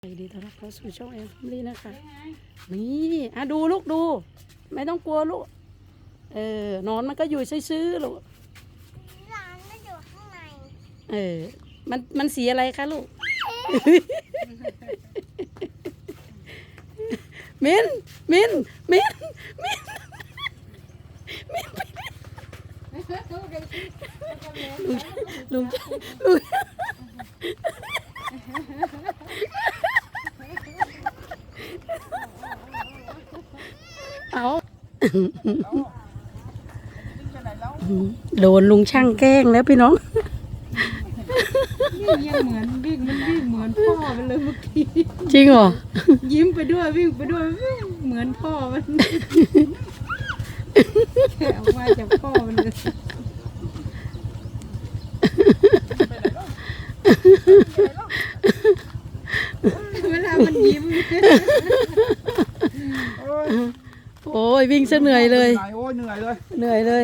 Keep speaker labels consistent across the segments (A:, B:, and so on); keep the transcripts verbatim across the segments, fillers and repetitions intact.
A: ดีต้อนรับเข้าสู่ช่องแอนฟมิลี่นะคะนี่อ่ะดูลูกดูไม่ต้องกลัวลูกเออนอนมันก็อยู่ซื่อๆลูก
B: ร้านมันอยู่ข้างใน
A: เออมันมันสีอะไรคะลูก มินมินมินมินมินลุงลุงลุงเอาโดนลุงช่างแกล้งแล้วพี่น้อง
C: นี่ยังเหมือนวิ่งมันวิ่งเหมือนพ่อมันเลยเมื่อกี้
A: จริงเหรอ
C: ยิ้มไปด้วยวิ่งไปด้วยวิ่งเหมือนพ่อมันแค่ออกมาจากพ่อมันเลยเวลามันยิ้ม
A: โอ้ยวิ่งซะเหนื่อยเลย
D: โอ้ยเหนื่อยเลย
A: เหนื่อยเลย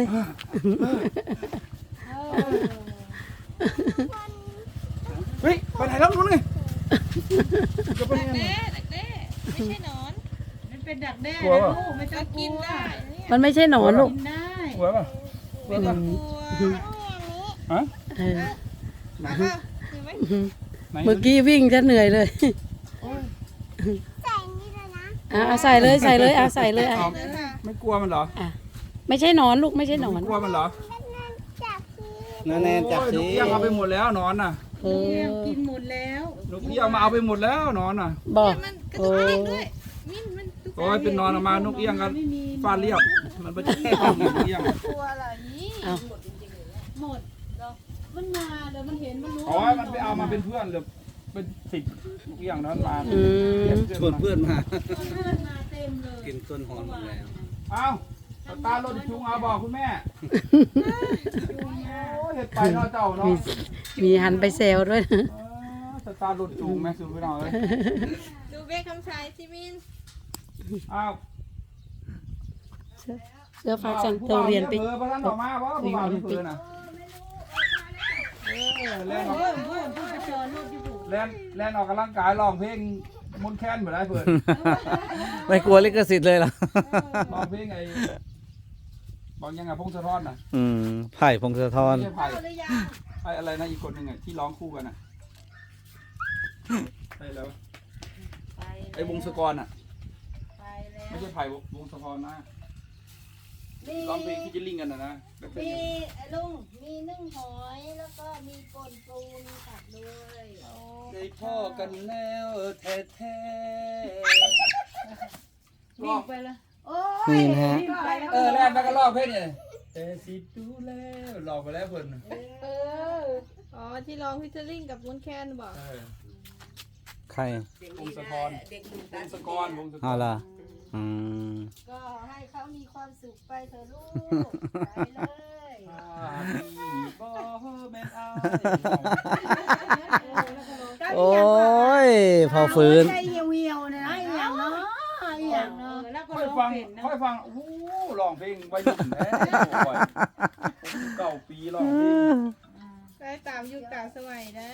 D: เฮ้ยไปไหนแล้วนู้นไง
C: ดักแด้ดักแด้ไม่ใช่หนอนมันเป็นดักแด้นะลูกไม่ต้องกินได้
A: มันไม่ใช่หนอนลูก
C: กินได้
D: กลัวป่ะกลัวป่ะฮะ
A: เออเมื่อกี้วิ่งจะเหนื่อยเลย
B: ใส่นี่เลยนะ
A: อ่ะใส่เลยใส่เลยอ่ะใส่เลยอ่ะ
D: ไม่กลัวมันเหรอ
A: อ่ะไม่ใช่หนอนลูกไม่ใช่หนอน
D: กลัวมันเหรอ
B: จับสิ
D: แน่ๆจับสินกเอี้ยงเอาไปหมดแล้วนอนน่ะ
A: เออ
C: กินหมดแล้ว
D: นกเอี้ยงมาเอาไปหมดแล้วนอนน่ะ
A: บอก
C: โอ้
D: โอ้ยเป็นนอนออกมานกเอี้ยงกันฟาดเรียบมันไปแค่ห้องนกเอี้ยง
C: กลัวอะไรนี่หมดเหรอมันมาเดี๋ยวมันเห็นมันรู้
D: อ๋อมันไปเอามาเป็นเพื่อนเลยเป็นสิบนกเอี้ยงนั้นมา
E: ชวนเพื่อนมา
C: เพื่อนมาเต็มเลย
E: กินต้นหอมหมดแล้ว
D: เอาตาลดจุงเอาบอกคุณแม่โอ้เห็ดไปเนาะเจ้าเนาะ
A: มีหันไปแซวด้วย
D: สตาร์ลดจุงแม่สูบไปหน่อย
C: ดูเบ้คำชายซิมิน
D: อ้าว
A: เสื้อฟ้าจังเตเรียนไป
D: เออพระท่านออกมาว่าผู้บ่าวที่เพื่อนน่ะแล่นออกแล่นแล่นออกกำลังกายร้องเพลงมนต์แค้นเหมือนไรเพื่อน
E: ไม่กลัวลิขสิทธิ์เลยเหรอ
D: ร้องเพลงไอ้บอกยังไงพงศธรน่ะ
E: อืมไผ่พงศธร
D: ไผ่ไอ้อะไรนะอีกคนหนึ่งไงที่ร้องคู่กันน่ะไอ้แล้วไอ้วงศกรน่ะไม่ใช่ไผ่วงศธรนะร้องเพลงที่จะลิงกันนะนะ
C: มีลุงมีนึ่งหอยแล้วก็มีป่นปูมีผักด้วย
E: ได้พ่อกันแล้วแท้แท้
C: วิ่งไปละโอ้
E: ยนี่นะฮะ
D: เออแล้วมันก็ร้องเพลงเนี่ยแต่สิดูแล้วร้องไปแล้วเพิ่น
C: เอออ๋อที่ร้องพิจาริ่งกับวุ้นแคนบอก
E: ใคร
D: วงศกรวงศกรวงศกร
E: อ๋อล่ะอืม
C: ก็ให้เขามีความสุขไปเถอะลูกไปเลย
E: โอ้ยพอฟื้น
C: ใจเหี่ยวเหี่ยวนะอย่างเนาะอย่างเนาะแล้วก็
D: ค่อยฟังค่อยฟังโอ้โหร้องเพลงวัยรุ่นแท้เก้าปีร้องเพลง
C: ได้ตามยุคตามสมัยได้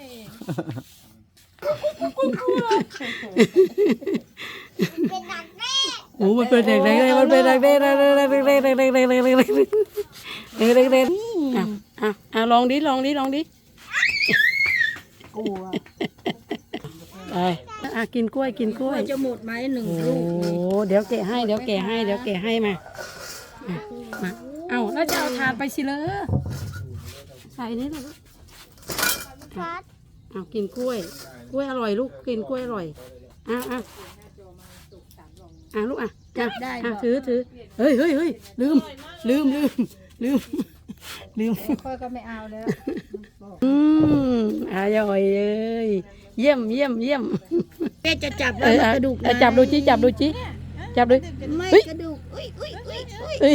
B: เป็นดักแด้
A: โอ้มันเป็นเด็กเด็กมันเป็นเด็กเด็กเด็กเด็กเด็กเด็กเด็กเด็กเด็กเด็กเด็กเด็กเด็กเด็กเด็กเด็กอ่ะอ่ะอ่ะลองดิลองดิลองดิ
C: กลัว
A: ไปอ่ะกินกล้วยกินกล้วย
C: จะหมดไหมหนึ่ง
A: โอ้
C: ลูก
A: เดี๋ยวแกะให้เดี๋ยวแกะให้เดี๋ยวแกะให้มามาเอ้าแล้วจะเอาถาดไปสิเลยใส่นี่เลย
B: ครับ
A: เอากินกล้วยกล้วยอร่อยลูกกินกล้วยอร่อยอ่ะอ่ะอ่ะลูกอ่ะจับได้อ่ะถือถือเฮ้ยเฮ้ยเฮ้ยลืมลืมลืมลืมลืม
C: ค่อยก็ไม่เอาแล้ว
A: อืมอร่อยเลยเยี่ยมเยี่ยมเยี่ยม
C: แม่จะจับแล้วกระดูก
A: จับดูจิจับดูจิจับดู
C: ไม่กระดูกอุ้ยอุ้ยอุ้ยอุ้ย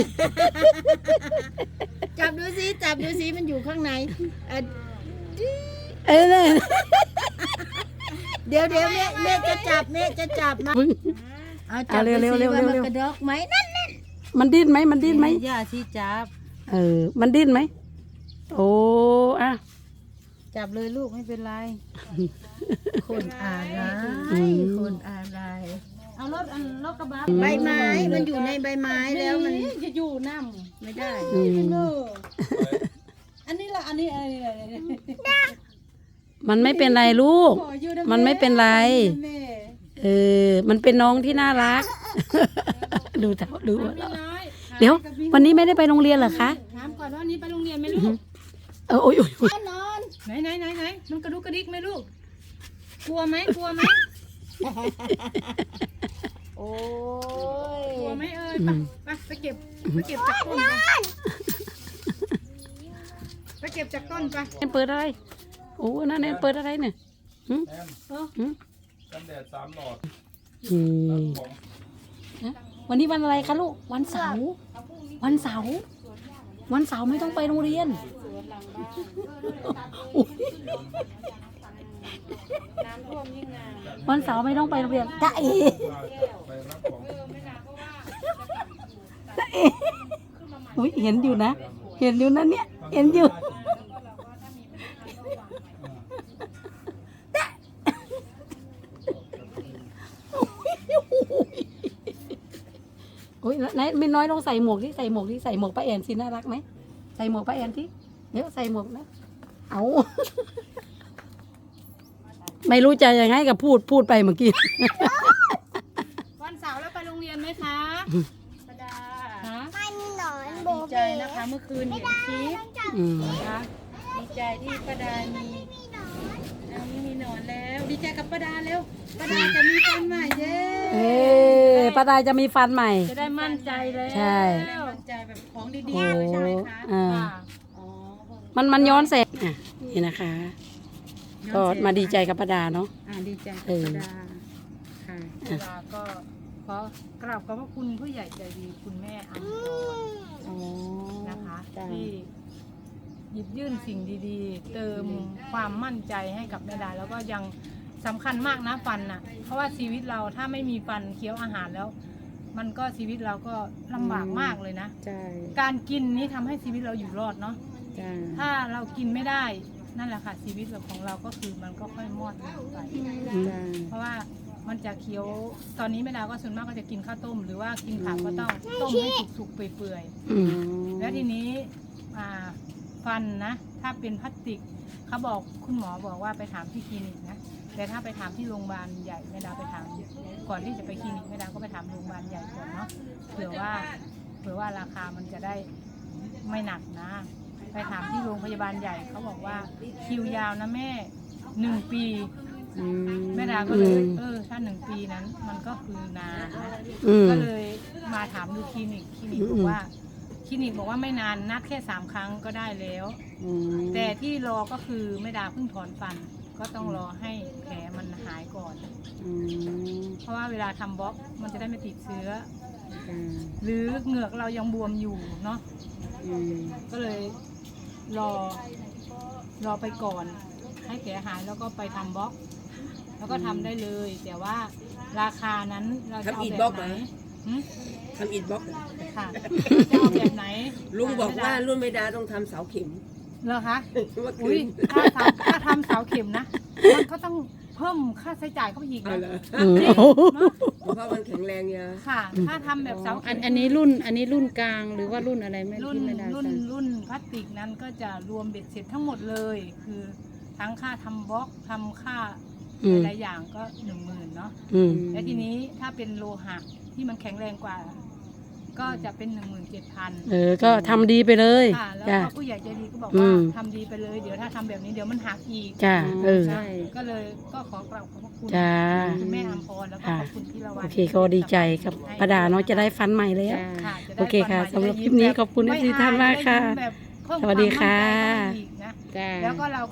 C: จับดูสิจับดูสิมันอยู่ข้างใน
A: เอ้ย
C: เดี๋ยวเดี๋ยวแม่แม่จะจับแม่จะจับมาเอาจับเร็วเร็วเร็วเร็วกระดกไหมนั่นนั่น
A: มันดิ้นไหมมันดิ้นไหม
C: ย่าที่จับ
A: เออมันดิ้นไหมโอ้อะ
C: จับเลยลูกไม่เป็นไร คนอะไร
A: อืม
C: คนอะไร
F: เอารถอันรถกระบะ
C: ใบไม้มันอยู่ในใบไม้แล้วมัน
F: จะอยู่น้
C: ไม่ได้
A: อืม
F: ำเนออันนี้ละอันนี้อะไรอะไร
A: มันไม่เป็นไรลูก
F: ขออยู่ะ
A: มันไม่เป็นไร
F: ขออยู่นะแม่
A: เออ มันเป็นน้องที่น่ารัก ดูเถอะดู
F: พี่น้อย
A: เดี๋ยว วันนี้ไม่ได้ไปโรงเรียนเหรอคะ
F: ถามก่อนว่าวันนี้ไปโรงเรียนไหมลูก
A: เออโอ้ยโอ้ยโอ้ย
F: นอนไหนไหนไหนไหนมันกระดุกกระดิกไหมลูก กลัวไหมกลัวไหม
C: โอ้ย
F: กลัวไหมเอ้ยไปไปไปเก็บไปเก็บจากต้นไปไปเก็บจากต้นไป
A: แอนเปิดอะไร โอ้นั่นแอนเปิดอะไรเนี่ยหึ
D: แอน
A: หึ
D: กันแดดสามหลอด
A: อืม
D: ของ
A: นะวันนี้วันอะไรคะลูก วันเสาร์ วันเสาร์ วันเสาร์ไม่ต้องไปโรงเรียนอุ๊ยวันเสาร์ไม่ต้องไปโรงเรียนจ้าเอ
D: ไปรับของ
A: อุ้ยเห็นอยู่นะ เห็นอยู่นะเนี่ย เห็นอยู่ โอ้ยไหนไม่น้อยลองใส่หมวกที่ใส่หมวกที่ใส่หมวกป้าแอนสิน่ารักไหมใส่หมวกป้าแอนที่เดี๋ยวใส่หมวกนะเอา ไม่รู้จะยังไงกับพูดพูดไปเมื่อกี้
F: วันเสาร์แล้วไปโรงเรียนไหมคะประดาฮะ
B: มันหนอนโบ
F: ดีใจ
B: เบ้
F: นะคะเมื่อคืนเห็นคลิป
A: อืม
F: นะคะดีใจที่ประดามีเอาไม่มีหนอนแล้ว ดีใจกับประดาเร็วประดาจะมีฟันใหม่เย้
A: เอ้ป้าดาจะมีฟันใหม่
F: จะได้มั่นใจแล้ว
A: ใช่
F: มั่นใจแบบของดี
A: โอ้
F: ๆเลยใช่ไหมคะ
A: อ่า
F: ค่ะอ๋อ
A: มันมันย้อนแสงอ่ะนี่นะคะ ก็มาดีใจกับป้าดาเนาะ
F: อ่าดีใจกับ
A: เออ
F: ประดาค่ะประดาก็ขอกราบขอบพระคุณผู้ใหญ่ใจดีคุณแม่อัมพร
C: อ๋อ
F: นะคะ
C: จ้ะ
F: ที่หยิบยื่นสิ่งดีๆ เติมความมั่นใจให้กับแม่ดาแล้วก็ยังสำคัญมากนะฟันน่ะ เพราะว่าชีวิตเราถ้าไม่มีฟันเคี้ยวอาหารแล้ว มันก็ชีวิตเราก็ลำบากมากเลยนะ
C: ใช่
F: การกินนี่ทำให้ชีวิตเราอยู่รอดเนาะ
C: จ้า
F: ถ้าเรากินไม่ได้นั่นแหละค่ะชีวิตของเราก็คือมันก็ค่อยมอดลงไป
C: จ้า
F: เพราะว่ามันจะเคี้ยวตอนนี้แม่ดาก็ส่วนมากก็จะกินข้าวต้ม หรือว่ากินผักก็ต้องต้มให้สุกๆเปื่อยๆ
A: อืม
F: แล้วทีนี้อ่าฟันนะ ถ้าเป็นพลาสติกเขาบอกคุณหมอบอกว่าไปถามที่คลินิกนะแต่ถ้าไปถามที่โรงพยาบาลใหญ่แม่ดาไปถามก่อนที่จะไปคลินิกแม่ดาก็ไปถามโรงพยาบาลใหญ่ก่อนเนาะเผื่อว่าเผื่อว่าราคามันจะได้ไม่หนักนะ ไปถามที่โรงพยาบาลใหญ่เขาบอกว่าคิวยาวนะแม่หนึ่งปี
C: อืม
F: แม่ดาก็เลยเออถ้าหนึ่งปีนั้นมันก็คือนานนะ
A: อืม
F: ก็เลยมาถามดูคลินิกคลินิกบอกว่าคลินิกบอกว่าไม่นานนัดแค่สามครั้งก็ได้แล้ว
C: อืม
F: แต่ที่รอก็คือแม่ดาเพิ่งถอนฟัน ก็ต้องรอให้แผลมันหายก่อน
C: อืม
F: เพราะว่าเวลาทำบล็อกมันจะได้ไม่ติดเชื้อ
C: จ้า
F: หรือเหงือกเรายังบวมอยู่เนาะ
C: อืม
F: ก็เลยรอรอไปก่อน ให้แผลหายแล้วก็ไปทำบล็อก แล้วก็ทำได้เลย แต่ว่าราคานั้นเราจะเอาแบบไหนหึ
G: ทำอิฐบล็อกเหรอ
F: ค่ะจะเอาแบบไหน
G: ลุงบอกว่ารุ่นไม่ดาต้องทำเสาเข็ม
F: เหรอคะ
G: เมื่อคื
F: อุ้ย
G: น
F: ถ้าทำถ้าทำเสาเข็มนะ มันก็ต้องเพิ่มค่าใช้จ่ายเข้าไปอีก
G: เอา
F: นะ
G: เหรอ
A: อืม
F: จริง
A: โอ้โห
F: เนอะ
G: เพราะมันแข็งแรงเยอะ
F: ค่ะ ถ้าทำแบบเสา
C: อั
F: เข็
C: น
F: ม
C: อันนี้รุ่นอันนี้รุ่นกลางหรือว่ารุ่นอะไรไม่
F: รุ่น
C: ที่ไม่ได้
F: รุ่น
C: ใส่
F: รุ่นพลาสติกนั้นก็จะรวมเบ็ดเสร็จทั้งหมดเลย คือทั้งค่าทำบล็อกทำค่า
A: อืม
F: หลายๆอย่างก็หนึ่งหมื่นเนาะ
A: อืม
F: และทีนี้ถ้าเป็นโลหะที่มันแข็งแรงกว่า ก็จะเป็นหนึ่งหมื่นเจ็ดพัน
A: เออ ก็ทำดีไปเลย
F: ค่ะ แล้ว
A: จ้า
F: ก็ผู้ใหญ่ใจดีก็บอก
A: อื
F: ว่าม ทำดีไปเลย เดี๋ยวถ้าทำแบบนี้เดี๋ยวมันหักอีก
A: จ้า เออ
C: ใช่
F: ก็เลยก็ขอกราบขอบพระคุณ
A: จ้า
F: คุณแม่อัมพรแล้วก็
A: ค่ะ
F: ขอบคุณพี่ละวัน
A: โอเคก็ดีใจกับป้าดาเนาะจะได้ฟันใหม่แล้ว
C: จ้า
F: ค่ะจะได้
A: โอเคค่ะ
F: ฟันใหม่
A: สำหรับ
F: จะ
A: คลิปนี้
F: ยิ้ม
A: ขอบคุณ
F: แบบ
A: ทุกท่านมากค่ะ
F: ไม่อายได้ยิ้มแบบเพิ่ม
A: สวัสดี
F: วามมั่นใจ
A: ค่ะ
F: เข้าไปอีกนะ
C: จ้า
F: แล้วก็เรา